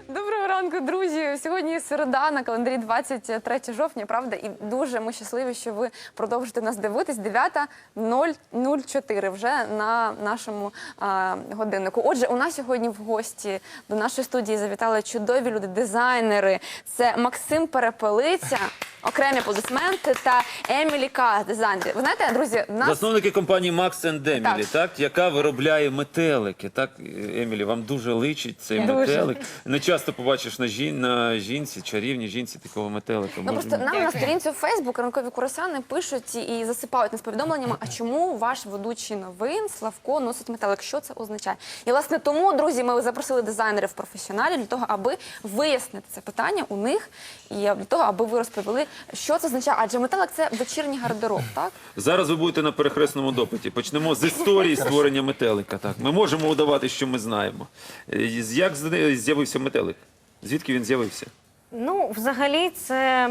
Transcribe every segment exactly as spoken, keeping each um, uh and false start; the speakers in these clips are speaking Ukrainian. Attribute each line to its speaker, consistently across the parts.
Speaker 1: Доброго ранку, друзі! Сьогодні середа, на календарі двадцять третє жовтня, правда? І дуже ми щасливі, що ви продовжите нас дивитись. дев'ята нуль чотири вже на нашому а, годиннику. Отже, у нас сьогодні в гості до нашої студії завітали чудові люди, дизайнери. Це Максим Перепелиця, окремі аплодисменти, та Емілі Кас, дизайнер. Ви знаєте, друзі, в нас...
Speaker 2: Засновники компанії Max and Emily, так. так, яка виробляє метелики. Так, Емілі, вам дуже личить цей
Speaker 1: Дуже.
Speaker 2: метелик. Не часто побачиш на, жін, на жінці, чарівній жінці такого метелика.
Speaker 1: Ну, просто нам на сторінці у Фейсбук ранкові курасани пишуть і засипають нас повідомленнями, а чому ваш ведучий новин Славко носить метелик? Що це означає? І, власне, тому, друзі, ми запросили дизайнерів-професіоналів для того, аби вияснити це питання у них і для того, аби ви розповіли, що це означає. Адже метелик – це вечірній гардероб, так?
Speaker 2: Зараз ви будете на перехресному допиті. Почнемо з історії створення метелика. Так. Ми можемо удавати, що ми знаємо. Як з'явився метелик? Звідки він з'явився?
Speaker 3: Ну, взагалі, це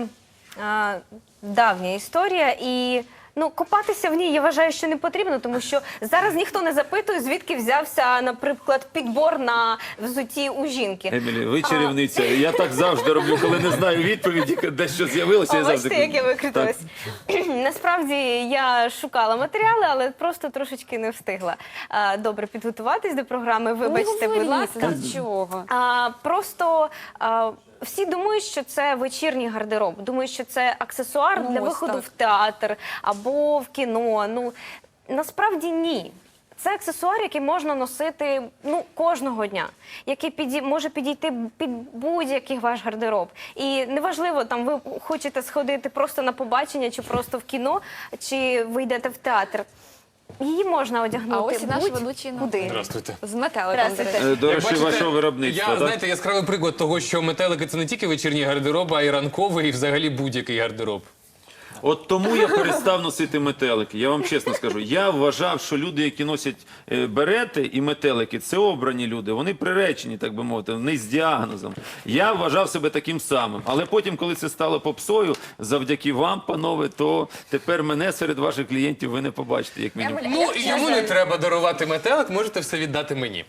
Speaker 3: а, давня історія, і ну, копатися в ній, я вважаю, що не потрібно, тому що зараз ніхто не запитує, звідки взявся, наприклад, підбор на взутті у жінки.
Speaker 2: Емілі, ви чарівниця. Я так завжди роблю, коли не знаю відповіді, де що з'явилося.
Speaker 3: О, бачите, як я викрутилась. Насправді, я шукала матеріали, але просто трошечки не встигла а, добре підготуватись до програми. Вибачте, будь ласка.
Speaker 1: Чого?
Speaker 3: А, просто... А, Всі думають, що це вечірній гардероб, думають, що це аксесуар
Speaker 1: Ну,
Speaker 3: для
Speaker 1: ось
Speaker 3: виходу
Speaker 1: так.
Speaker 3: в театр або в кіно. Ну, насправді ні. Це аксесуар, який можна носити ну, кожного дня, який піді... може підійти під будь-який ваш гардероб. І неважливо, там ви хочете сходити просто на побачення, чи просто в кіно, чи ви йдете в театр. Її можна одягнути.
Speaker 1: А ось і наш
Speaker 3: будь-
Speaker 1: ведучий новин.
Speaker 3: куди.
Speaker 4: Здравствуйте.
Speaker 1: З метеликом, до
Speaker 3: Здравствуйте.
Speaker 1: речі.
Speaker 2: До
Speaker 4: Як
Speaker 2: речі,
Speaker 4: бачите,
Speaker 2: вашого виробництва.
Speaker 4: Я,
Speaker 2: так?
Speaker 4: знаєте, яскравий приклад того, що метелики – це не тільки вечірній гардероб, а й ранковий, і взагалі будь-який гардероб.
Speaker 2: От тому я перестав носити метелики. Я вам чесно скажу. Я вважав, що люди, які носять е, берети і метелики, це обрані люди. Вони приречені, так би мовити, вони з діагнозом. Я вважав себе таким самим. Але потім, коли це стало попсою, завдяки вам, панове, то тепер мене серед ваших клієнтів ви не побачите, як мінімум.
Speaker 1: Емілі,
Speaker 4: Ну,
Speaker 1: як
Speaker 4: і йому
Speaker 1: часто-
Speaker 4: не треба дарувати метелик, можете все віддати мені.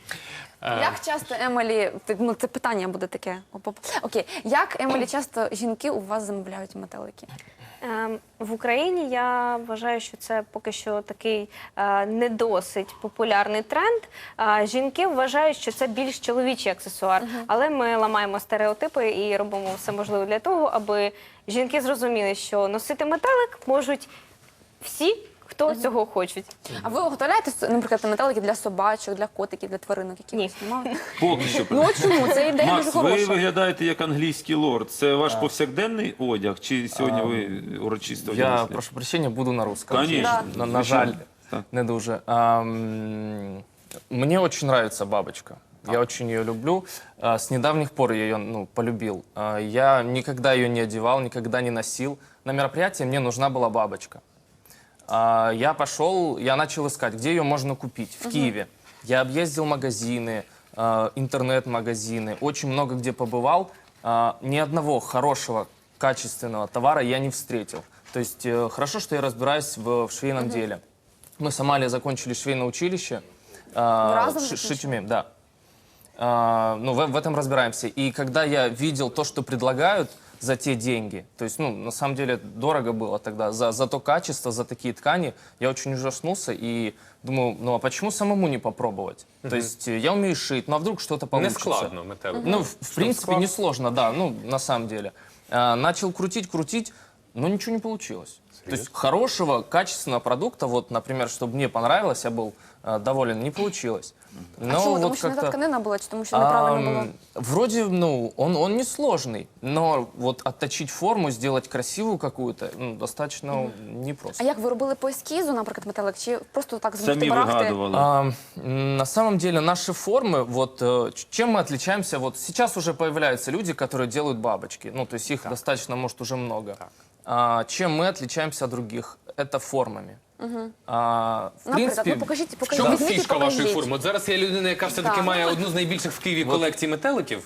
Speaker 1: Як часто, Емілі, ти- ну це питання буде таке. Оп-оп. Окей, як, Емілі, часто жінки у вас замовляють метелики?
Speaker 3: Ем, В Україні я вважаю, що це поки що такий е, не досить популярний тренд. Е, жінки вважають, що це більш чоловічий аксесуар, але ми ламаємо стереотипи і робимо все можливе для того, аби жінки зрозуміли, що носити метелик можуть всі, хто цього хочуть.
Speaker 1: А ви виготовляєте, наприклад, метелики для собачок, для котиків, для тваринок, які
Speaker 3: Ні.
Speaker 1: ви знімали?
Speaker 2: Поки що.
Speaker 1: Ну от чому? Це ідея дуже
Speaker 2: Макс, ви
Speaker 1: хороша.
Speaker 2: виглядаєте як англійський лорд. Це ваш повсякденний одяг? Чи сьогодні ви урочисто
Speaker 5: Я,
Speaker 2: вдягнете?
Speaker 5: прошу прощения, буду на русском.
Speaker 2: Конечно.
Speaker 5: На, на
Speaker 2: Звичайно.
Speaker 5: жаль,
Speaker 2: Так.
Speaker 5: не дуже. Ам, мне очень нравится бабочка. Я очень ее люблю. А, С недавних пор я ее ну, полюбил. А, Я никогда ее не одевал, никогда не носил. На мероприятии мне нужна была бабочка. А, Я пошел, я начал искать, где ее можно купить в Киеве. Я объездил магазины, а, интернет-магазины, очень много где побывал. А, Ни одного хорошего, качественного товара я не встретил. То есть э, хорошо, что я разбираюсь в, в швейном деле. Мы с Амалией закончили швейное училище. а,
Speaker 1: разом
Speaker 5: ши-
Speaker 1: закончили?
Speaker 5: Шить умеем, да. А, ну, в, в этом разбираемся. И когда я видел то, что предлагают за те деньги, то есть, ну, на самом деле, дорого было тогда, за, за то качество, за такие ткани, я очень ужаснулся и думаю, ну, а почему самому не попробовать? То есть, э, я умею шить, ну, а вдруг что-то
Speaker 4: Не
Speaker 5: получится?
Speaker 4: складно метелик.
Speaker 5: Ну, в, в принципе, несложно, да, ну, на самом деле. А, начал крутить, крутить, но ничего не получилось. То есть хорошего, качественного продукта, вот, например, чтобы мне понравилось, я был э, доволен, не получилось. Но
Speaker 1: А чому? Тому
Speaker 5: вот
Speaker 1: що не та
Speaker 5: как-то...
Speaker 1: тканина була, чи тому що неправильно було?
Speaker 5: Ам, Вроде, ну, он, он не сложный, но вот отточить форму, сделать красивую какую-то, ну, достаточно непросто.
Speaker 1: А як ви робили по ескізу, наприклад, метелик, чи просто так з
Speaker 2: Самі
Speaker 1: барахти?
Speaker 2: вигадували.
Speaker 5: А, м, на самом деле наши формы, вот э, ч- чем мы отличаемся, вот сейчас уже появляются люди, которые делают бабочки, ну, то есть их достаточно, может, уже много. А, чем мы отличаемся от других? Это формами. А, в
Speaker 1: Наприклад,
Speaker 5: принципе,
Speaker 1: ну покажіть,
Speaker 4: В
Speaker 1: покажіть.
Speaker 4: чому
Speaker 1: Візьміть і
Speaker 4: фішка вашої
Speaker 1: покажіть.
Speaker 4: форми? От зараз є людина, яка все-таки
Speaker 1: Так.
Speaker 4: має одну з найбільших в Києві колекцій метеликів.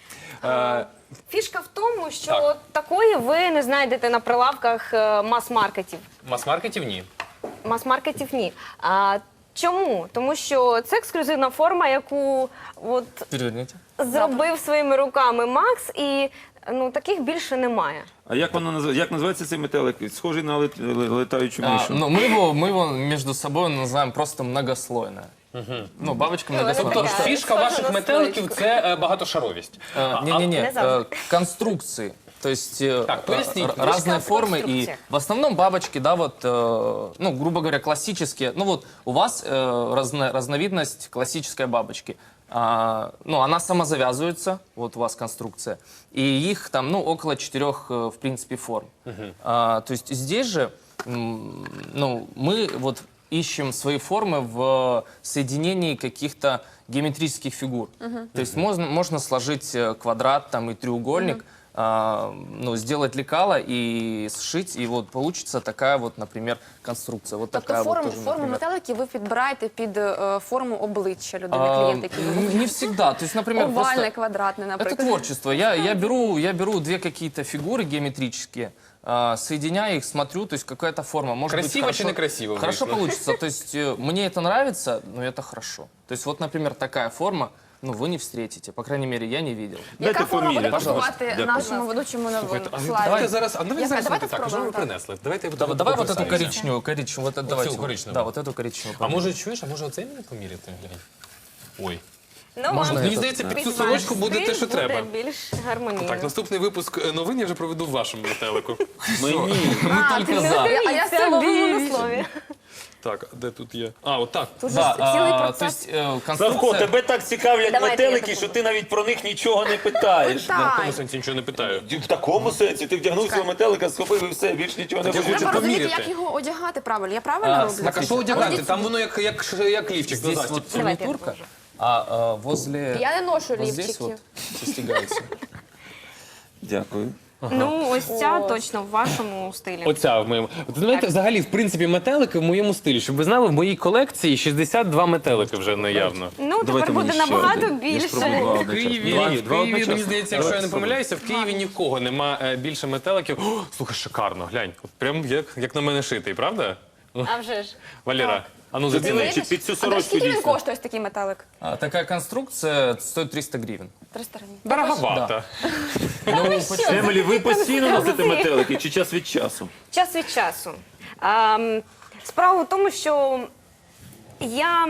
Speaker 4: Е,
Speaker 3: Фішка в тому, що
Speaker 4: Так.
Speaker 3: такої ви не знайдете на прилавках е, мас-маркетів.
Speaker 4: Мас-маркетів ні.
Speaker 3: Мас-маркетів ні. А, чому? Тому що це ексклюзивна форма, яку от
Speaker 5: переверните.
Speaker 3: зробив своїми руками Макс, і ну таких більше немає.
Speaker 2: А як воно називається? Як називається цей метелик? Схожий на лет- ле- летаючу
Speaker 5: А,
Speaker 2: мишу.
Speaker 5: ну, мы его, мы его между собой называем просто многослойная. Ну, бабочка многослойная.
Speaker 4: Тобто
Speaker 3: Така,
Speaker 4: фішка
Speaker 3: схожа
Speaker 4: ваших
Speaker 3: на
Speaker 4: метеликів
Speaker 3: стоечку.
Speaker 4: це е, багатошаровість.
Speaker 5: Э, Не-не-не,
Speaker 3: Не
Speaker 5: э,
Speaker 3: завжди.
Speaker 5: конструкции. То есть э,
Speaker 4: Так, поясните,
Speaker 5: р-
Speaker 4: фишка
Speaker 5: разные
Speaker 3: в
Speaker 5: формы и
Speaker 3: конструкциях.
Speaker 5: в основном бабочки, да, вот, э, ну, грубо говоря, классические. Ну вот у вас э, разно- разновидность классической бабочки. А, ну, она самозавязывается, вот у вас конструкция, и их там, ну, около четырех, э, в принципе, форм. А, то есть здесь же, м, ну, мы вот ищем свои формы в соединении каких-то геометрических фигур. То есть можно, можно сложить э, квадрат там, и треугольник, а, ну, сделать лекало и сшить, и вот получится такая вот, например, конструкция. Вот
Speaker 1: Тобто
Speaker 5: такая
Speaker 1: форму,
Speaker 5: вот тоже,
Speaker 1: форму
Speaker 5: например.
Speaker 1: метеликів ви підбираєте під е, форму обличчя людини,
Speaker 5: А,
Speaker 1: клієнта, який ви
Speaker 5: н- Не всегда. То есть, например,
Speaker 1: овальне,
Speaker 5: просто...
Speaker 1: квадратне,
Speaker 5: Это
Speaker 1: наприклад.
Speaker 5: творчество. Я, я, беру, я беру две какие-то фигуры геометрические, а, соединяю их, смотрю, то есть какая-то форма. Может быть,
Speaker 4: Красиво
Speaker 5: хорошо,
Speaker 4: чи некрасиво
Speaker 5: Хорошо
Speaker 4: вышло?
Speaker 5: получится. То есть э, мне это нравится, но это хорошо. То есть вот, например, такая форма, ну, вы не встретите. По крайней мере, я не видел.
Speaker 2: Дайте
Speaker 1: Яка форма буде
Speaker 2: поміряти.
Speaker 1: пасувати
Speaker 2: Дякую.
Speaker 1: нашому ведучому новину?
Speaker 4: Слухайте, а
Speaker 1: Славі?
Speaker 4: давайте зараз, а давайте
Speaker 1: Яка?
Speaker 4: зараз
Speaker 1: Давайте
Speaker 4: так, що ви
Speaker 1: спробуємо, так.
Speaker 4: принесли? Давайте я
Speaker 5: Давай, давай вот эту
Speaker 4: пописаюся.
Speaker 5: коричневую, коричневую. Вот это, давайте. вот-
Speaker 4: коричневую?
Speaker 5: Да, вот эту коричневую.
Speaker 4: А може, чуєш, а може оцей мені поміряти? Глянь. Ой.
Speaker 3: Ну,
Speaker 5: Можна
Speaker 3: вам
Speaker 5: я
Speaker 4: Мені
Speaker 5: тут,
Speaker 4: здається,
Speaker 5: да.
Speaker 4: під цю
Speaker 3: під
Speaker 4: сорочку
Speaker 3: ваш
Speaker 4: буде
Speaker 3: стиль
Speaker 4: те, що треба.
Speaker 3: Буде більш гармонійно.
Speaker 4: Так, наступний випуск е, новин я вже проведу в вашому метелику.
Speaker 2: Мені.
Speaker 5: Мы только за.
Speaker 1: А я все ловила на слові.
Speaker 4: Так, де тут є? А, от так.
Speaker 1: Тут же
Speaker 5: Да,
Speaker 1: цілий
Speaker 5: а, то
Speaker 1: процес.
Speaker 5: есть э,
Speaker 2: Савко,
Speaker 5: конструкция...
Speaker 2: тебе так цікавлять
Speaker 3: Давайте я
Speaker 2: метелики, що
Speaker 3: допоможу.
Speaker 2: ти навіть про них нічого не питаєш.
Speaker 4: В
Speaker 1: Так.
Speaker 4: якому сенсі нічого не питаю.
Speaker 2: В такому сенсі, ти вдягнув свого метелика, схопив і все, більш нічого не
Speaker 4: Так я
Speaker 2: хочеш.
Speaker 4: хочу
Speaker 1: Треба розуміти,
Speaker 4: поміряти.
Speaker 1: як його одягати правильно. Я правильно
Speaker 5: А,
Speaker 1: роблю?
Speaker 5: смотри.
Speaker 4: Так, а що одягати? Там воно як, як, як лівчик на
Speaker 5: Здесь
Speaker 4: застіб.
Speaker 5: вот
Speaker 3: Давайте я
Speaker 5: фурнитурка, а э, возле...
Speaker 1: Я не ношу
Speaker 5: вот здесь
Speaker 1: лівчиків.
Speaker 5: вот застегается.
Speaker 2: Дякую.
Speaker 3: Ну, ось ця точно в вашому стилі.
Speaker 4: Оця в моєму. От, знаєте, взагалі, в принципі, метелики в моєму стилі. Щоб ви знали, в моїй колекції шістдесят два метелики вже наявно.
Speaker 3: Ну,
Speaker 2: Давайте
Speaker 3: тепер буде
Speaker 2: мені ще
Speaker 3: набагато
Speaker 2: один. Я ж
Speaker 3: більше.
Speaker 2: пробував
Speaker 4: В
Speaker 2: одночасно.
Speaker 4: Києві,
Speaker 2: Два-
Speaker 4: в
Speaker 2: два
Speaker 4: Києві,
Speaker 2: одночасно.
Speaker 4: мені здається, якщо я не
Speaker 2: Давай,
Speaker 4: помиляюся, в Києві нікого нема е, більше метеликів. О, слухай, шикарно, глянь. От прям як, як на мене шитий, правда?
Speaker 3: А вже ж.
Speaker 4: Валера, а ну
Speaker 2: Тобі
Speaker 4: зацілуй.
Speaker 2: личить під цю
Speaker 1: А до
Speaker 2: сорочку
Speaker 1: скільки він
Speaker 2: дійсно.
Speaker 1: коштує ось такий метелик?
Speaker 5: А, такая конструкция стоит триста гривен.
Speaker 1: триста гривень.
Speaker 4: Дороговато.
Speaker 5: Ну, почему?
Speaker 2: Емілі, ви постійно носите метелики чи час від часу?
Speaker 3: Час від часу. А, м, справа в тому, що я.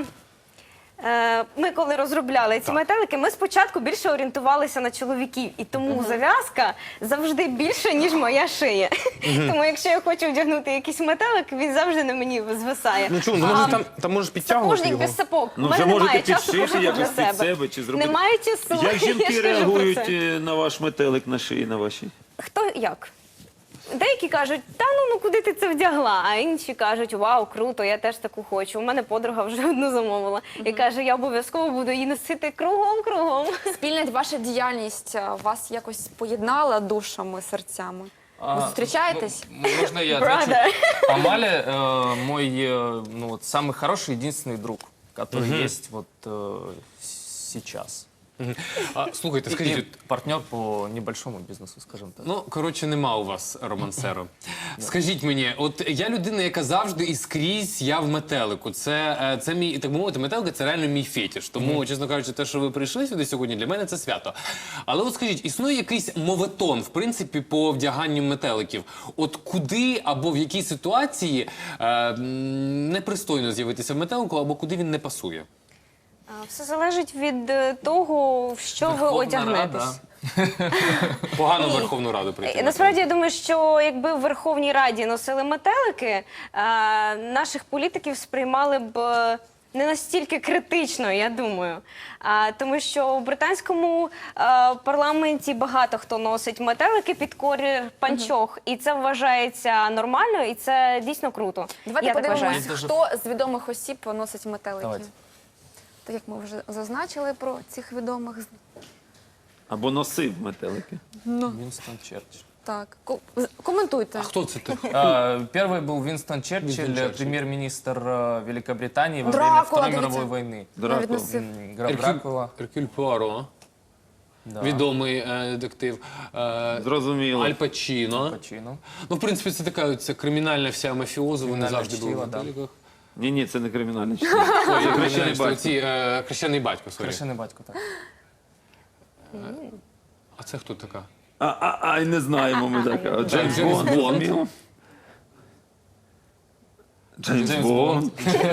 Speaker 3: е, Ми коли розробляли ці метелики, ми спочатку більше орієнтувалися на чоловіків, і тому зав'язка завжди більша, ніж моя шия. Тому якщо я хочу вдягнути якийсь метелик, він завжди на мені звисає.
Speaker 4: Ну чому, ну, може там, там можеш підтягувати
Speaker 3: Сапожник
Speaker 4: його?
Speaker 3: без сапог.
Speaker 2: Ну,
Speaker 3: У мене
Speaker 2: вже можете
Speaker 3: немає часу
Speaker 2: підшити
Speaker 3: пошити
Speaker 2: якось
Speaker 3: для
Speaker 2: під себе чи зробити.
Speaker 3: Немає часу.
Speaker 2: Як
Speaker 3: Я ж
Speaker 2: жінки
Speaker 3: кажу про
Speaker 2: реагують
Speaker 3: це.
Speaker 2: е, на ваш метелик на шиї, на вашій?
Speaker 3: Хто як? Деякі кажуть, та ну, ну куди ти це вдягла? А інші кажуть, вау, круто, я теж таку хочу. У мене подруга вже одну замовила. І каже, я обов'язково буду її носити кругом-кругом.
Speaker 1: Спільна ваша діяльність а, вас якось поєднала душами, серцями? Ви
Speaker 5: А,
Speaker 1: зустрічаєтесь?
Speaker 5: ну, можно я отвечу?
Speaker 3: Правда.
Speaker 5: Амаля э, мой э, ну, вот, самый хороший, единственный друг, который есть вот э, сейчас.
Speaker 4: А, слухайте, скажіть,
Speaker 5: И
Speaker 4: от,
Speaker 5: партнер по небольшому бизнесу, скажем так.
Speaker 4: ну, коротше, нема у вас романсеру. Скажіть мені, от я людина, яка завжди і скрізь я в метелику. Це, е, це мій, так би мовити, метелика це реально мій фетиш. Тому, чесно кажучи, те, що ви прийшли сюди сьогодні, для мене це свято. Але от скажіть, існує якийсь моветон, в принципі, по вдяганню метеликів? От куди або в якій ситуації е, м, непристойно з'явитися в метелику, або куди він не пасує?
Speaker 3: А, Все залежить від е, того, в що ви
Speaker 5: Верховна
Speaker 3: одягнетесь.
Speaker 5: Рада.
Speaker 4: Погано в Верховну Раду прийти.
Speaker 3: Е, Насправді я думаю, що якби в Верховній Раді носили метелики, е, наших політиків сприймали б е, не настільки критично, я думаю. А, тому що в британському е, парламенті багато хто носить метелики під колір панчох, і це вважається нормально, і це дійсно круто.
Speaker 1: Давайте
Speaker 3: я так
Speaker 1: подивимось,
Speaker 3: вважаю.
Speaker 1: хто з відомих осіб носить метелики.
Speaker 5: Давайте.
Speaker 1: Так як ми вже зазначили про цих відомих.
Speaker 2: Або носив метелики.
Speaker 5: Винстон Черчилль.
Speaker 1: Так, ко- з- коментуйте.
Speaker 4: А хто це такий?
Speaker 5: А, Первый был Винстон Черчилль,
Speaker 4: Черчилль.
Speaker 5: премьер-министр э, Великобритании во
Speaker 1: Дракула,
Speaker 5: время Второй
Speaker 1: дивіться.
Speaker 5: мировой войны.
Speaker 1: Навіть носив.
Speaker 5: М, Граф Дракула.
Speaker 4: Еркюль Пуаро,
Speaker 5: Да.
Speaker 4: відомий е, детектив. Е,
Speaker 2: Зрозуміло.
Speaker 4: Аль Пачіно.
Speaker 5: Пачино.
Speaker 4: Ну, в принципі, це така це кримінальна вся мафіоза, вони
Speaker 5: Кримінальне
Speaker 4: завжди були в
Speaker 5: чтиво, да.
Speaker 4: метеликах.
Speaker 2: Ні, ні, це не кримінальне чтиво.
Speaker 4: Ой,
Speaker 2: Це
Speaker 4: я
Speaker 2: хрещений
Speaker 4: хрещений
Speaker 2: батько.
Speaker 4: Ці, е, хрещений батько, сорі.
Speaker 5: Крашеный батько, так.
Speaker 4: А це хто така?
Speaker 2: А, а, а, й не знаємо ми така. От Джеймс
Speaker 4: Джеймс
Speaker 2: Бонд.
Speaker 4: Бонд.
Speaker 2: зрозуміло? Джеймс
Speaker 4: Джеймс
Speaker 2: Бонд.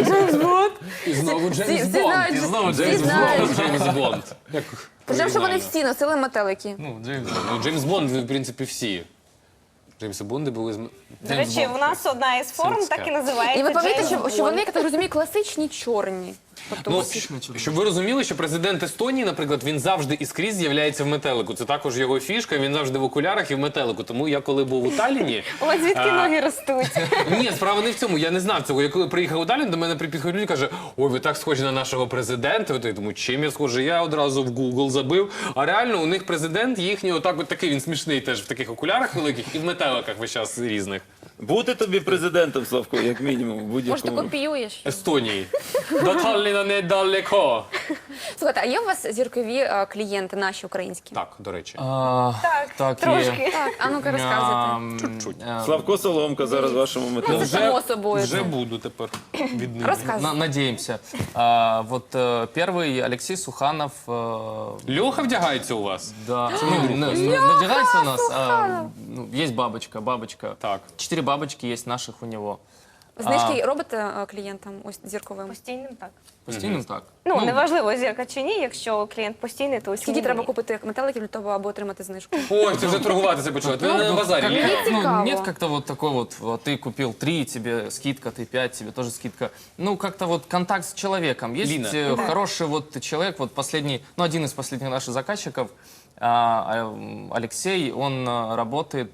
Speaker 4: І знову Джеймс
Speaker 1: всі
Speaker 4: Бонд.
Speaker 1: знають,
Speaker 4: І знову
Speaker 1: всі
Speaker 4: Джеймс
Speaker 1: знають.
Speaker 4: Бонд. Джеймс Бонд. Як
Speaker 1: Причому, що вони
Speaker 4: оригінально.
Speaker 1: всі носили метелики.
Speaker 4: Ну, Джеймс Бонд. Ну, Джеймс Бонд, в принципі, всі. Джеймси Бонди були з...
Speaker 3: До речі, у нас одна із форм
Speaker 4: Сільська.
Speaker 3: так і називається
Speaker 1: І ви пам'ятаєте,
Speaker 3: Джеймс
Speaker 1: що, що
Speaker 3: Бонд.
Speaker 1: вони, як я так розумію, класичні чорні. Тобто
Speaker 4: Ну,
Speaker 1: усі-
Speaker 4: щоб ви розуміли, що президент Естонії, наприклад, він завжди і скрізь з'являється в метелику. Це також його фішка, він завжди в окулярах і в метелику. Тому я коли був у Талліні...
Speaker 3: У вас звідки
Speaker 4: а,
Speaker 3: ноги ростуть?
Speaker 4: Ні, справа не в цьому. Я не знав цього. Я коли приїхав у Таллін, до мене підходять люди і каже, ой, ви так схожі на нашого президента. От я думаю, чим я схожий? Я одразу в Google забив. А реально у них президент їхній отак от такий, він смішний теж в таких окулярах великих і в метеликах весь час різних.
Speaker 2: Бути тобі президентом, Славко, як мінімум, в
Speaker 1: Може, ти
Speaker 2: будь-якому.
Speaker 1: копіюєш?
Speaker 4: Естонії. До Талліна недалеко.
Speaker 1: Слухайте, а є у вас зіркові е, клієнти, наші українські?
Speaker 4: Так, до речі.
Speaker 5: А,
Speaker 3: Так,
Speaker 5: так,
Speaker 3: трошки.
Speaker 1: Так, а ну-ка розказуйте.
Speaker 5: Ам,
Speaker 4: Чуть-чуть.
Speaker 5: а,
Speaker 2: Славко Соломка зараз в вашому метелику.
Speaker 1: Само собою.
Speaker 4: вже буду тепер від них.
Speaker 1: Розказуй.
Speaker 5: на- Надеемся. А, вот э, первый Алексей Суханов. э,
Speaker 4: Льоха вдягається у вас?
Speaker 5: Да. Ну, на- на- надевается у нас. а, ну, есть бабочка, бабочка.
Speaker 4: Так.
Speaker 5: Четыре бабочки есть наших у него.
Speaker 1: Знижки робите е, клієнтам ось зірковим?
Speaker 3: Постійним так.
Speaker 5: Постійно так.
Speaker 3: Ну, неважливо, зірка чи ні, якщо клієнт постійний, то
Speaker 1: Скільки
Speaker 3: ціні
Speaker 1: треба
Speaker 3: ні.
Speaker 1: купити метеликів для того, аби отримати знижку?
Speaker 4: Ой, це вже торгуватися почали. Ти на базарі.
Speaker 5: Как-
Speaker 4: Ні?
Speaker 5: ну,
Speaker 1: цікаво.
Speaker 5: нет как-то вот такой вот, вот ты купил три, тебе скидка, ты пять, тебе тоже скидка. Ну, как-то вот контакт с человеком. Есть
Speaker 4: Лина.
Speaker 5: э, хороший вот человек, вот последний, ну, один из последних наших заказчиков, а, а, Алексей, он а, работает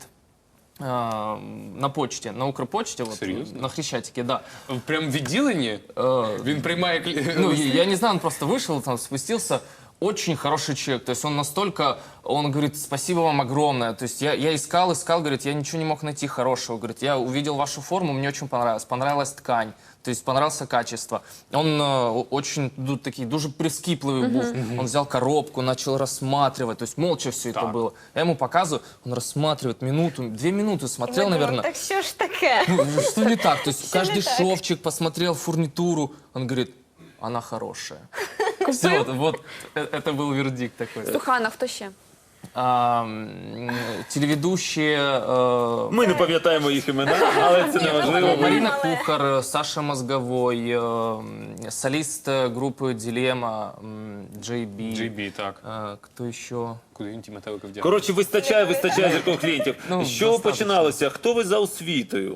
Speaker 5: а, на почте, на Укрпочте, вот,
Speaker 4: Серьезно?
Speaker 5: на Хрещатике, да.
Speaker 4: Прям в відділенні?
Speaker 5: Э,
Speaker 4: Він приймає клі...
Speaker 5: Ну, я, я не знаю, он просто вышел, там, спустился. Очень хороший человек. То есть он настолько, он говорит, спасибо вам огромное. То есть я, я искал, искал, говорит, я ничего не мог найти хорошего. Говорит, я увидел вашу форму, мне очень понравилось. Понравилась ткань, то есть понравилось качество. Он э, очень ду- такий, дуже прискіпливий був. Он взял коробку, начал рассматривать. То есть молча все это
Speaker 4: Так.
Speaker 5: было. Я ему показываю, он рассматривает минуту, две минуты смотрел,
Speaker 3: Ми думаємо,
Speaker 5: наверное.
Speaker 3: Так що ж таке?
Speaker 5: Ну, что не так? То есть
Speaker 3: Что не
Speaker 5: каждый
Speaker 3: так?
Speaker 5: шовчик посмотрел, фурнитуру. Он говорит, она хорошая. Все, вот, вот э- это был вердикт такой.
Speaker 1: Сухана, хто ще?
Speaker 5: А, м, телеведущие э,
Speaker 2: Ми не пам'ятаємо їх імена, але це не важливо.
Speaker 5: Марина Кухар, Саша Мозговой, э, солист э, группы Дилемма, м, Джей Би.
Speaker 4: джей би, так.
Speaker 5: Э, Кто еще?
Speaker 4: Куди він ті метелики вдягає?
Speaker 2: Коротше, вистачає, вистачає зіркових клієнтів.
Speaker 5: Ну,
Speaker 2: З чого
Speaker 5: достатньо.
Speaker 2: починалося? Хто ви за освітою?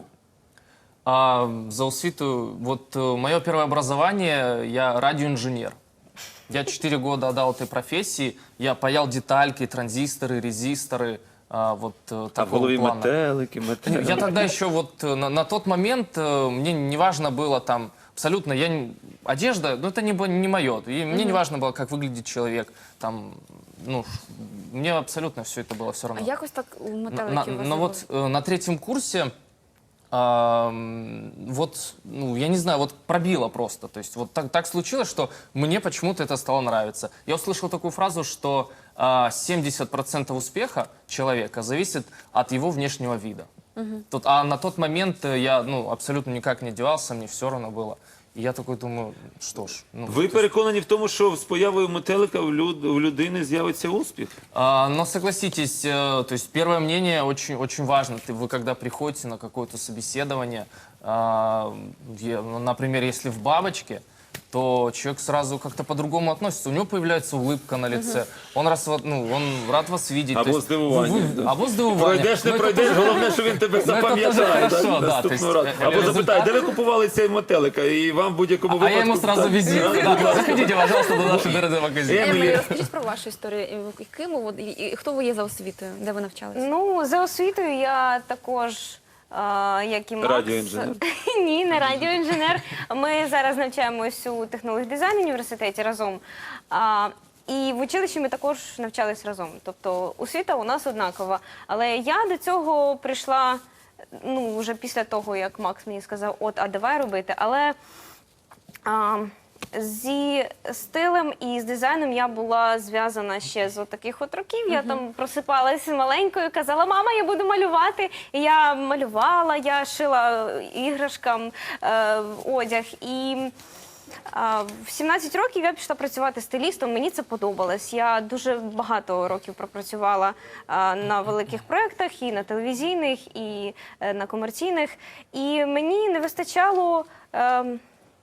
Speaker 5: А, за Усвиту, вот э, мое первое образование, я радиоинженер. Я четыре года отдал этой профессии, я паял детальки, транзисторы, резисторы, а, вот э,
Speaker 2: А в
Speaker 5: такого
Speaker 2: голові
Speaker 5: плана.
Speaker 2: метелики, метелики.
Speaker 5: Я тогда еще вот э, на, на тот момент э, мне не важно было там абсолютно, я не- одежда, ну это не, бо- не мое, и мне не важно было, как выглядит человек, там, ну, ш- мне абсолютно все это было все
Speaker 1: А
Speaker 5: равно.
Speaker 1: якось так у
Speaker 5: На-
Speaker 1: метеликів
Speaker 5: на-
Speaker 1: вас
Speaker 5: но вот э, на третьем курсе, а, м, вот, ну, я не знаю, вот пробило просто. То есть вот так, так случилось, что мне почему-то это стало нравиться. Я услышал такую фразу, что а, семьдесят процентов успеха человека зависит от его внешнего вида. Тут, а на тот момент э, я ну, абсолютно никак не одевался, мне все равно было. И я такой думаю, что ж. Ну,
Speaker 2: Ви
Speaker 5: то есть,
Speaker 2: переконані в тому, що з появою метелика в, люд... в людини з'явиться успіх?
Speaker 5: А, но согласитесь, э, то есть первое мнение очень, очень важно. Ты, вы когда приходите на какое-то собеседование, а, я- ну, например, если в бабочке, то человек сразу как-то по-другому относится. У него появляется улыбка на лице. Он, раз, вот, ну, он рад вас видеть.
Speaker 2: Або
Speaker 5: то есть
Speaker 2: здивування,
Speaker 5: вы- вы-
Speaker 2: да.
Speaker 5: Або здивування.
Speaker 2: Пройдеш, не
Speaker 5: Ну, это
Speaker 2: пройдеш,
Speaker 5: тоже-
Speaker 2: головне, що він тебе
Speaker 5: Ну, це
Speaker 2: запам'ятає.
Speaker 5: дуже
Speaker 2: так,
Speaker 5: хорошо, да,
Speaker 2: наступного
Speaker 5: то
Speaker 2: разу.
Speaker 5: есть,
Speaker 2: Або
Speaker 5: результат-
Speaker 2: запитає, де ви купували цей метелика? І вам в будь-якому
Speaker 5: А
Speaker 2: випадку...
Speaker 5: я ему сразу
Speaker 2: так.
Speaker 5: визитку. Да, заходите, пожалуйста, до нашего дорогого магазина.
Speaker 2: Емілі.
Speaker 1: Емілі, розкажіть про вашу історію. І Ким ви, от, і- і хто ви є за освітою? Де ви навчалися?
Speaker 3: Ну, за освітою я також, а, як і Макс.
Speaker 2: Радіоінженер.
Speaker 3: Ні, не радіоінженер. Ми зараз навчаємось у технології дизайну університеті разом. А, і в училищі ми також навчались разом. Тобто освіта у нас однакова. Але я до цього прийшла ну, вже після того, як Макс мені сказав, от, а давай робити. Але а, зі стилем і з дизайном я була зв'язана ще з таких от років. Я там просипалася маленькою, казала, мама, я буду малювати. І я малювала, я шила іграшкам е, одяг. І А, В сімнадцять років я пішла працювати стилістом, мені це подобалось. Я дуже багато років пропрацювала а, на великих проєктах, і на телевізійних, і е, на комерційних. І мені не вистачало ем,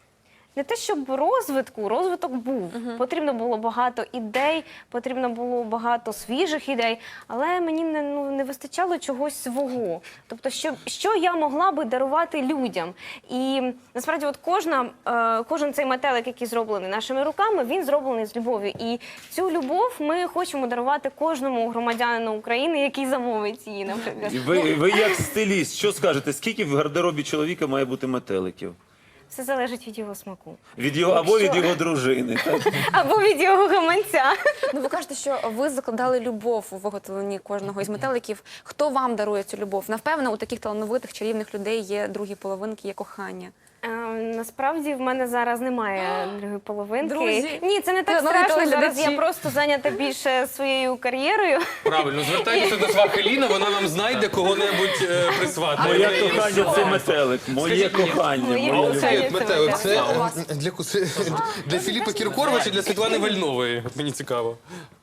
Speaker 3: не те, щоб розвитку, розвиток був. Потрібно було багато ідей, потрібно було багато свіжих ідей, але мені не, ну, не вистачало чогось свого. Тобто, що, що я могла би дарувати людям. І насправді от кожна, е, кожен цей метелик, який зроблений нашими руками, він зроблений з любов'ю. І цю любов ми хочемо дарувати кожному громадянину України, який замовить її, наприклад.
Speaker 2: І ви, ви як стиліст, що скажете, скільки в гардеробі чоловіка має бути метеликів?
Speaker 3: Все залежить від його смаку.
Speaker 2: Від його, або від його дружини. Так?
Speaker 3: Або від його гаманця.
Speaker 1: Ну, ви кажете, що ви закладали любов у виготовленні кожного із метеликів. Хто вам дарує цю любов? Напевно, у таких талановитих чарівних людей є другі половинки, є кохання.
Speaker 3: Е, Насправді в мене зараз немає другої половинки.
Speaker 1: Друзі,
Speaker 3: Ні, це не так
Speaker 1: нові
Speaker 3: страшно. Зараз
Speaker 1: телеглядачі.
Speaker 3: я просто зайнята більше своєю кар'єрою.
Speaker 4: Правильно, звертайтеся до свахи Ліна, вона нам знайде кого-небудь е, присватає.
Speaker 2: Моє кохання це метелик. Моє
Speaker 4: Скажіть мені,
Speaker 2: кохання.
Speaker 3: моє
Speaker 2: моя
Speaker 3: кохання.
Speaker 2: любов.
Speaker 4: Метелик, це
Speaker 1: А у вас?
Speaker 4: е, для, кус- для Філіпа Кіркорова чи для Світлани Вальнової? От мені цікаво.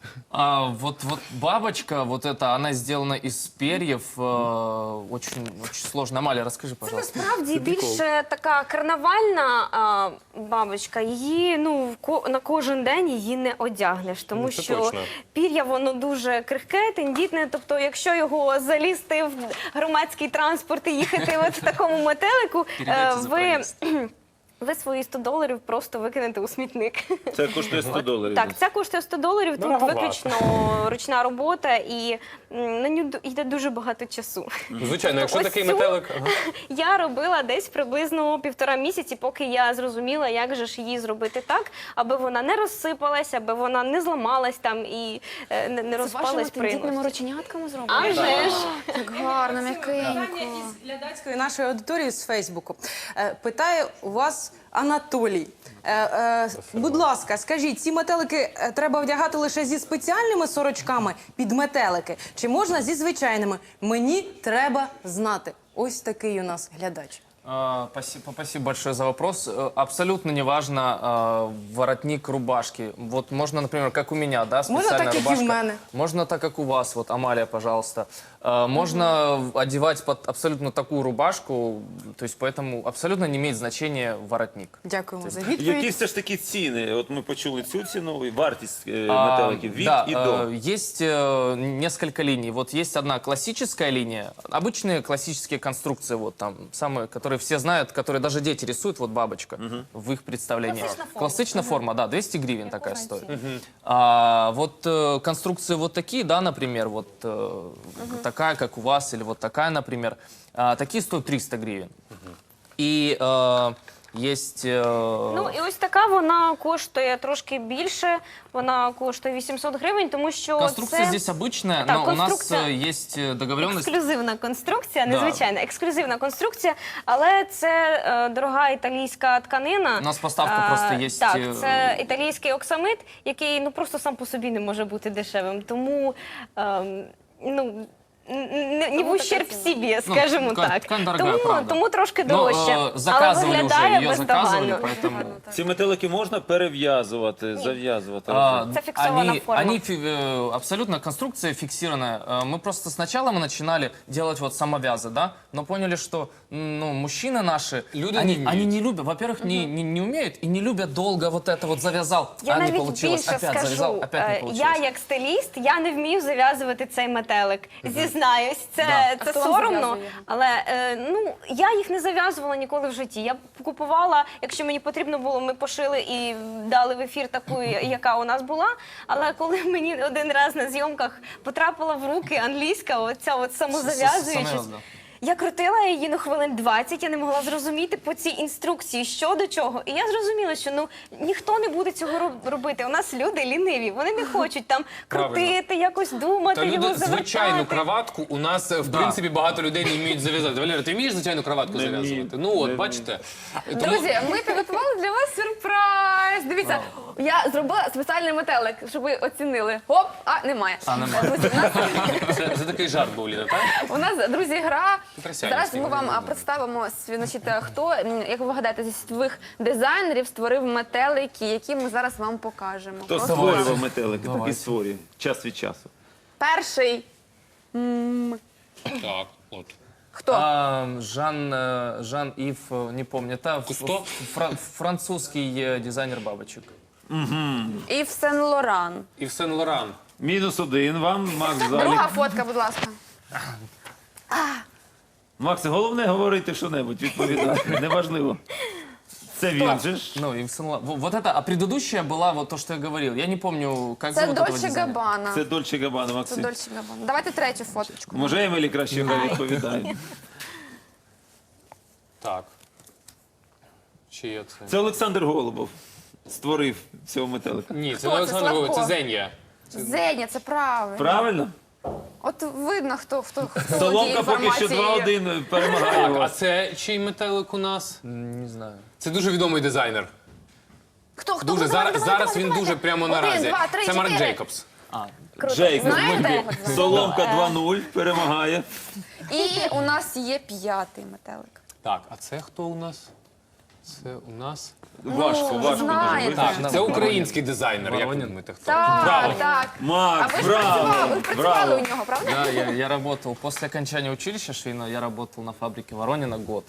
Speaker 5: А, вот, вот бабочка, вот эта, она сделана из перьев, э, очень, очень сложно. Амалия, расскажи,
Speaker 3: Це
Speaker 5: пожалуйста.
Speaker 3: насправді більше така карнавальна а, бабочка. Її ну в ко- на кожен день її не одягнеш, тому
Speaker 4: Ну, це
Speaker 3: що
Speaker 4: точно.
Speaker 3: пір'я воно дуже крихке, тендітне. Тобто, якщо його залізти в громадський транспорт і їхати от в такому метелику, е,
Speaker 5: Передайте за
Speaker 3: ви.
Speaker 5: проїзд.
Speaker 3: Ви свої сто доларів просто викинете у смітник.
Speaker 2: Це коштує сто доларів.
Speaker 3: Так, це коштує сто доларів, тут
Speaker 4: Дороговато.
Speaker 3: виключно ручна робота і м, на нього йде дуже багато часу.
Speaker 4: Ну, звичайно, якщо
Speaker 3: Ось
Speaker 4: такий
Speaker 3: цю-
Speaker 4: метелик...
Speaker 3: Я робила десь приблизно півтора місяці, поки я зрозуміла, як же ж її зробити так, аби вона не розсипалась, аби вона не зламалась там і е, не, не
Speaker 1: З
Speaker 3: розпалась
Speaker 1: вашими
Speaker 3: при
Speaker 1: тендітними
Speaker 3: носі.
Speaker 1: рученятками
Speaker 3: А
Speaker 1: зроблено?
Speaker 3: вже ж!
Speaker 1: Як гарно, м'якенько.
Speaker 6: Питання із глядацької нашої аудиторії з Фейсбуку. Е, Питає у вас Анатолій. Е, е, будь ласка, скажіть, ці метелики е, треба вдягати лише зі спеціальними сорочками під метелики? Чи можна зі звичайними? Мені треба знати. Ось такий у нас глядач.
Speaker 5: А, Спасибо, спасибо большое за вопрос. Э, Абсолютно неважно а, воротник рубашки. Вот можно, например, как у меня, да, специальная
Speaker 6: так, как и
Speaker 5: рубашка.
Speaker 6: в мене.
Speaker 5: Можно так, как у вас, вот, Амалия, пожалуйста. А, Можно одевать под абсолютно такую рубашку, то есть поэтому абсолютно не имеет значения воротник.
Speaker 6: Дякуємо за
Speaker 2: Які
Speaker 6: відповідь.
Speaker 2: все ж таки ціни? От ми почули цю ціну, і вартість е,
Speaker 5: А,
Speaker 2: метеликів від
Speaker 5: да,
Speaker 2: і
Speaker 5: э,
Speaker 2: до.
Speaker 5: есть э, несколько линий. Вот есть одна классическая линия, обычные классические конструкции, вот там самые, которые все знают, которые даже дети рисуют, вот бабочка в их представлении.
Speaker 3: Классичная форма.
Speaker 5: Классичная форма, да, двести гривен такая стоит. А, вот э, конструкции вот такие, да, например, вот э, такая, как у вас, или вот такая, например, а, такие стоят триста гривен. И э, есть... э,
Speaker 3: Ну і ось така вона коштує трошки більше, вона коштує вісімсот гривень, тому що
Speaker 5: конструкция
Speaker 3: це...
Speaker 5: здесь обычная,
Speaker 3: Так,
Speaker 5: но у нас
Speaker 3: конструкция-
Speaker 5: э, есть э, договоренность...
Speaker 3: Ексклюзивна конструкція,
Speaker 5: Да.
Speaker 3: незвичайна, ексклюзивна конструкція, але це е, дорога італійська тканина.
Speaker 5: У нас поставка
Speaker 3: А,
Speaker 5: просто є,
Speaker 3: Так,
Speaker 5: е,
Speaker 3: це італійський оксамит, який ну просто сам по собі не може бути дешевим. Тому ем, ну. Не, не в ущерб
Speaker 1: така
Speaker 3: собі, скажімо
Speaker 5: ткань-
Speaker 3: так.
Speaker 5: ткань дорогая,
Speaker 3: тому,
Speaker 5: правда.
Speaker 3: тому трошки
Speaker 5: Ну,
Speaker 3: дорожче.
Speaker 5: э, заказывали
Speaker 3: але
Speaker 5: уже,
Speaker 3: виглядає
Speaker 5: ее заказывали,
Speaker 3: бездоганно.
Speaker 5: поэтому...
Speaker 2: Ці метелики можна перев'язувати, зав'язувати.
Speaker 5: А,
Speaker 3: Это фиксованная
Speaker 5: они,
Speaker 3: форма.
Speaker 5: они фи- э, абсолютно конструкция фиксированная. Э, Мы просто сначала мы начинали делать вот самовязы, да, но поняли, что м, ну, мужчины наши,
Speaker 4: Люди не
Speaker 5: они,
Speaker 4: умеют.
Speaker 5: они не любят, во-первых, не, не, не умеют и не любят долго вот это вот завязал,
Speaker 3: Я
Speaker 5: а не
Speaker 3: навіть
Speaker 5: получилось,
Speaker 3: більше
Speaker 5: опять
Speaker 3: скажу,
Speaker 5: завязал, опять не
Speaker 3: е,
Speaker 5: получилось.
Speaker 3: я як стиліст, я не вмію зав'язувати цей метелик. Зізнаюсь, це,
Speaker 5: Да.
Speaker 3: це
Speaker 1: А хто вам
Speaker 3: соромно,
Speaker 1: зав'язує його?
Speaker 3: але е, ну я їх не зав'язувала ніколи в житті. Я купувала, якщо мені потрібно було, ми пошили і дали в ефір таку, яка у нас була. Але коли мені один раз на зйомках потрапила в руки англійська, оця от самозав'язуючись.
Speaker 5: Самов'яз, да.
Speaker 3: Я крутила її ну хвилин двадцять, я не могла зрозуміти по цій інструкції, що до чого. І я зрозуміла, що ну ніхто не буде цього роб- робити. У нас люди ліниві, вони не хочуть там крутити, якось думати,
Speaker 4: Та
Speaker 3: його
Speaker 4: люди
Speaker 3: завертати.
Speaker 4: звичайну краватку у нас е, в принципі багато людей не вміють зав'язати. Валера, ти вмієш звичайну краватку
Speaker 2: Не
Speaker 4: зав'язувати?
Speaker 2: вмію.
Speaker 4: Ну от
Speaker 2: Не
Speaker 4: бачите. Тому-
Speaker 1: Друзі, ми підготували для вас сюрприз. Дивіться, Я зробила спеціальний метелик, щоб ви оцінили. Хоп, а немає.
Speaker 5: А, немає.
Speaker 1: Друзі, у нас,
Speaker 4: Це, це такий жарт був, Ліна, так?
Speaker 1: у нас, друзі, гра.
Speaker 4: Присядьте,
Speaker 1: Зараз
Speaker 4: Стігу,
Speaker 1: ми вам
Speaker 4: не
Speaker 1: а,
Speaker 4: знаю.
Speaker 1: представимо, сві- значить, е, хто, м, як ви вгадаєте, зі світових дизайнерів створив метелики, які ми зараз вам покажемо.
Speaker 2: Хто
Speaker 1: Просто
Speaker 2: створював метелики, так і
Speaker 5: Давайте.
Speaker 2: створює. Час від часу.
Speaker 1: перший.
Speaker 4: Так, от.
Speaker 1: Хто?
Speaker 5: А, Жан, э, Жан-Ив, э, не помню, это ф-
Speaker 4: Кусто?
Speaker 5: ф- фра- французский э, дизайнер бабочек.
Speaker 1: Ів Сен Лоран.
Speaker 4: І Сен Лоран.
Speaker 2: Мінус один вам, Макс Залік.
Speaker 1: Друга фотка, будь ласка.
Speaker 2: Макс, головне говорити що-небудь, відповідати. Неважливо. Це він же ж.
Speaker 5: Ну, Ив Сен Лоран. Во- Вот это, а предыдущая была вот то, что я говорил. Я не помню, как
Speaker 1: Це
Speaker 5: зовут этого
Speaker 1: Дольче
Speaker 5: дизайнера.
Speaker 1: Габбана.
Speaker 2: Це Дольче Габбана,
Speaker 1: Це
Speaker 2: Максим.
Speaker 1: Дольче Габбана. Давайте третю фоточку.
Speaker 2: Може, Емілі краще хай відповідає.
Speaker 4: Так. Чи є це?
Speaker 2: Це Олександр Голубов створив цього метелика.
Speaker 4: Ні, це
Speaker 1: Хто
Speaker 4: не
Speaker 1: це,
Speaker 4: Олександр Голубов, це
Speaker 1: Славко?
Speaker 4: Зенія.
Speaker 1: Зеня, це правильно.
Speaker 2: Правильно?
Speaker 1: От видно, хто хто хто володіє
Speaker 2: Соломка поки що
Speaker 1: інформацією.
Speaker 2: два-один перемагає
Speaker 4: Так, а
Speaker 2: вас.
Speaker 4: це чий метелик у нас?
Speaker 5: М, Не знаю.
Speaker 4: Це дуже відомий дизайнер.
Speaker 1: Хто хто
Speaker 4: Дуже
Speaker 1: хто?
Speaker 4: зараз,
Speaker 1: Давайте,
Speaker 4: зараз
Speaker 1: давайте,
Speaker 4: він
Speaker 1: давайте.
Speaker 4: дуже прямо
Speaker 1: Один,
Speaker 4: наразі.
Speaker 1: два, три,
Speaker 4: Це Марк
Speaker 1: чотири.
Speaker 4: Джейкобс.
Speaker 1: Круто.
Speaker 2: Джейкобс.
Speaker 1: Знаєте його? Джейкобс?
Speaker 2: Соломка два-нуль перемагає.
Speaker 1: І у нас є п'ятий метелик.
Speaker 4: Так, а це хто у нас? Це у нас.
Speaker 2: Важко, важко дуже
Speaker 1: знаєте.
Speaker 2: визначити.
Speaker 4: Так, це український дизайнер. Як ви
Speaker 5: Воронін.
Speaker 4: думаєте, хто?
Speaker 1: Так,
Speaker 2: Браво.
Speaker 1: так. А
Speaker 2: Макс,
Speaker 1: ви ж
Speaker 2: браво!
Speaker 1: працювали, ви працювали
Speaker 2: Браво!
Speaker 1: у нього, правда?
Speaker 5: Да, я, я работал после окончания училища швейного, я работал на фабрике Воронина год.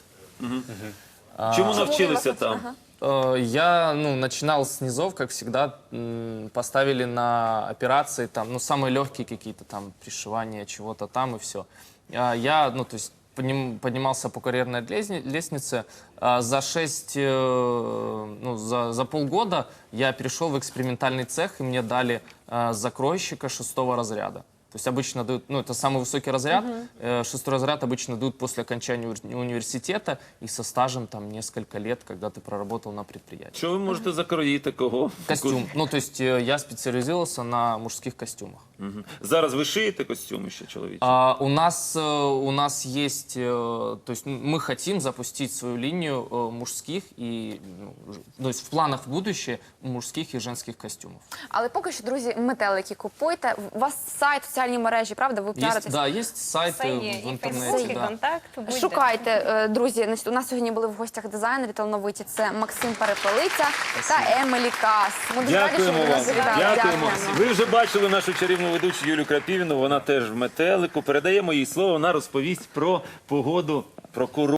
Speaker 2: Чому навчилися там?
Speaker 5: Э, Я, ну, начинал с низов, как всегда, м, поставили на операции, там, ну, самые легкие какие-то там пришивания чего-то там и все. Я, ну, то есть подним- поднимался по карьерной лестни- лестнице. А За шесть, э, ну, за, за полгода я перешел в экспериментальный цех, и мне дали э, закройщика шестого разряда. То есть обычно дают, ну, это самый высокий разряд. Э, Шестой разряд обычно дают после окончания уни- университета и со стажем там несколько лет, когда ты проработал на предприятии.
Speaker 2: Що ви можете закроїти кого?
Speaker 5: Костюм. Ну, то есть э, я специализировался на мужских костюмах.
Speaker 2: Мгм. Зараз ви шиєте костюми ще чоловічі?
Speaker 5: А, у нас э, у нас есть, э, то есть м- мы хотим запустить свою линию э, мужских и, ну, ж- то есть в планах в будущее мужских и женских костюмов.
Speaker 1: Але поки що, друзі, метелики купуйте. У вас сайт, соціальні мережі, правда? Ви
Speaker 5: Есть,
Speaker 1: піаритесь?
Speaker 5: да, есть сайты
Speaker 3: Це є
Speaker 5: в
Speaker 3: і
Speaker 5: интернете,
Speaker 3: Фейсбук, і
Speaker 5: да.
Speaker 3: контакт. будь-де.
Speaker 1: Шукайте, е, друзі. Значить, у нас сьогодні були в гостях дизайнери талановиті. Це Максим Перепелиця та Емілі Кас. Ми дуже раді, що
Speaker 2: Дякуємо
Speaker 1: ви
Speaker 2: вам.
Speaker 1: нас завітали.
Speaker 2: Дякуємо. Ви вже бачили нашу чарівну ведучу Юлю Крапівіну. Вона теж в метелику. Передаємо їй слово. Вона розповість про погоду, про курорт.